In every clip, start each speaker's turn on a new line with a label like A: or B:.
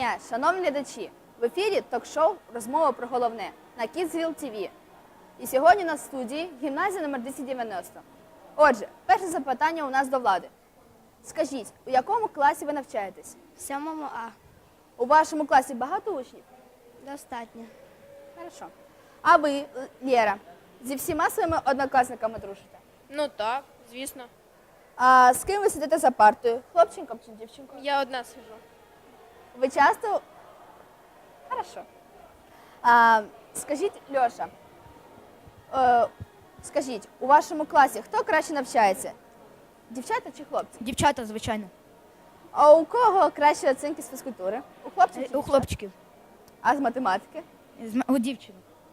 A: дня, шановні глядачі! В ефірі ток-шоу «Розмова про головне» на Kidsville TV. І сьогодні у нас в студії гімназія номер 290. Отже, перше запитання у нас до Влади. Скажіть, у якому класі ви навчаєтесь?
B: В 7 А.
A: У вашому класі багато учнів?
B: Достатньо.
A: Хорошо. А ви, Лєра, зі всіма своїми однокласниками дружите?
C: Ну так, звісно.
A: А з ким ви сидите за партою? Хлопчиком чи дівчинкою?
C: Я одна сижу.
A: Ви часто... Хорошо. Скажіть, Льоша, скажіть, у вашому класі хто краще навчається? Дівчата чи хлопці?
B: Дівчата, звичайно.
A: А у кого кращі оцінки з фізкультури? У хлопців чи
B: У
A: дівчат?
B: хлопчиків.
A: А з математики?
B: У дівчин.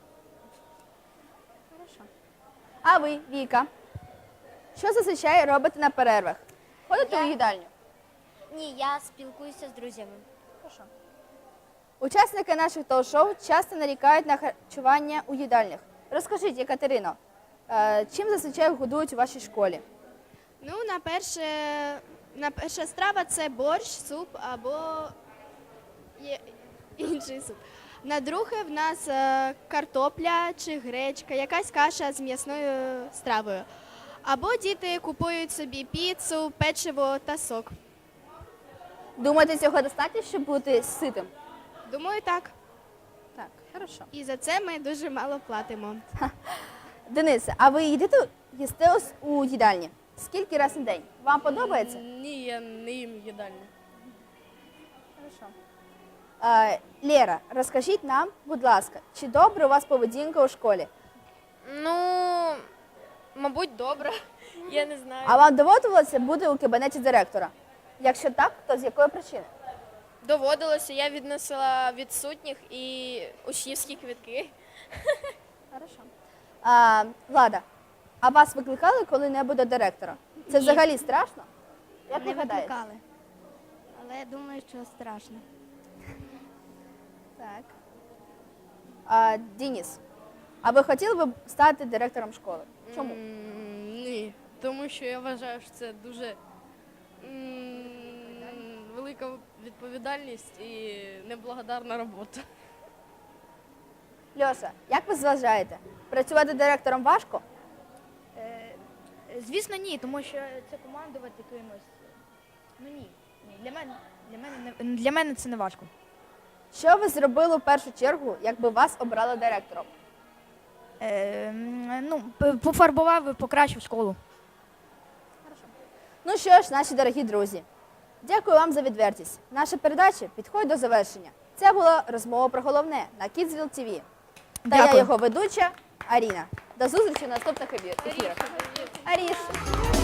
A: Хорошо. А ви, Віка, що зазвичай робите на перервах? Ходите у їдальню?
D: Ні, я спілкуюся з друзями.
A: Хорошо. Учасники наших ток-шоу часто нарікають на харчування у їдальнях. Розкажіть, Екатерино, чим зазвичай годують у вашій школі?
E: Ну, на перша страва це борщ, суп або інший суп. На друге в нас картопля чи гречка, якась каша з м'ясною стравою. Або діти купують собі піцу, печиво та сок.
A: Думаєте, цього достатньо, щоб бути ситим?
E: Думаю, так.
A: Так, хорошо.
E: І за це ми дуже мало платимо.
A: Денисе, а ви їсте у їдальні? Скільки разів на день? Вам подобається?
C: Ні, я не їм їдальню.
A: Хорошо. Лєра, розкажіть нам, будь ласка, чи добра у вас поведінка у школі?
C: Ну, мабуть, добре. Я не знаю.
A: А вам доводилося бути у кабінеті директора? Якщо так, то з якої причини?
C: Доводилося, я відносила відсутніх і учнівські квитки.
A: Хорошо. Влада, а вас викликали коли-небудь до директора? Це взагалі страшно? Як
B: Не
A: ви гадаєте?
B: викликали. Але я думаю, що страшно.
A: Так. Денис, а ви хотіли б стати директором школи? Чому?
C: Ні, тому що я вважаю, що це дуже велика відповідальність і неблагодарна робота.
A: Льоша, як ви вважаєте, працювати директором важко?
B: Звісно, ні, тому що це командувати кимось. Ну ні. Для мене це не важко.
A: Що ви зробили в першу чергу, якби вас обрали директором?
B: Пофарбував і покращив школу.
A: Ну що ж, наші дорогі друзі, дякую вам за відвертість. Наша передача підходить до завершення. Це була розмова про головне на Kidsville TV. Та я
B: Дякую.
A: його ведуча Аріна. До зустрічі в наступних ефірах. Аріш!